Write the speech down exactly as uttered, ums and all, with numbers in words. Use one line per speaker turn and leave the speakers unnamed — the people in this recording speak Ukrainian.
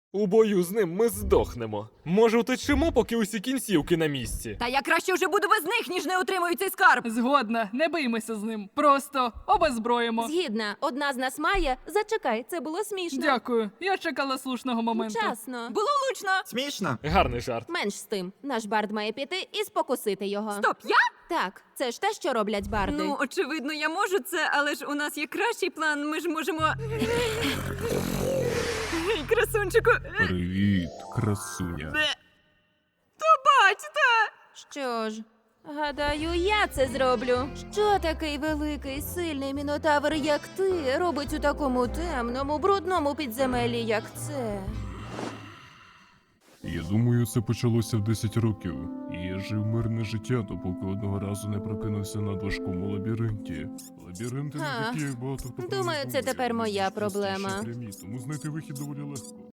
У бою з ним ми здохнемо. Може, утечемо, поки усі кінцівки на місці.
Та я краще вже буду без них, ніж не отримую цей скарб.
Згодна, не биймося з ним. Просто обезброїмо.
Згідна, одна з нас має. Зачекай, це було смішно.
Дякую. Я чекала слушного моменту.
Вчасно.
Було влучно.
Смішно.
Гарний жарт.
Менш з тим. Наш бард має піти і спокусити його.
Стоп, я?
Так, це ж те, що роблять барди.
Ну, очевидно, я можу це, але ж у нас є кращий план. Ми ж можемо. Ей, красунчику.
Привіт, красуня.
Бачите?
Що ж, гадаю, я це зроблю. Що такий великий, сильний мінотавр, як ти, робить у такому темному, брудному підземеллі, як це?
Я думаю, це почалося в десять років. І я жив мирне життя, допоки одного разу не прокинувся на важкому лабіринті. Лабіринти не
А,
такі, як багато хто
думаю,
про них
це
говорить.
тепер моя
Вони простіші
проблема.
і прямі, тому знайти вихід доволі легко.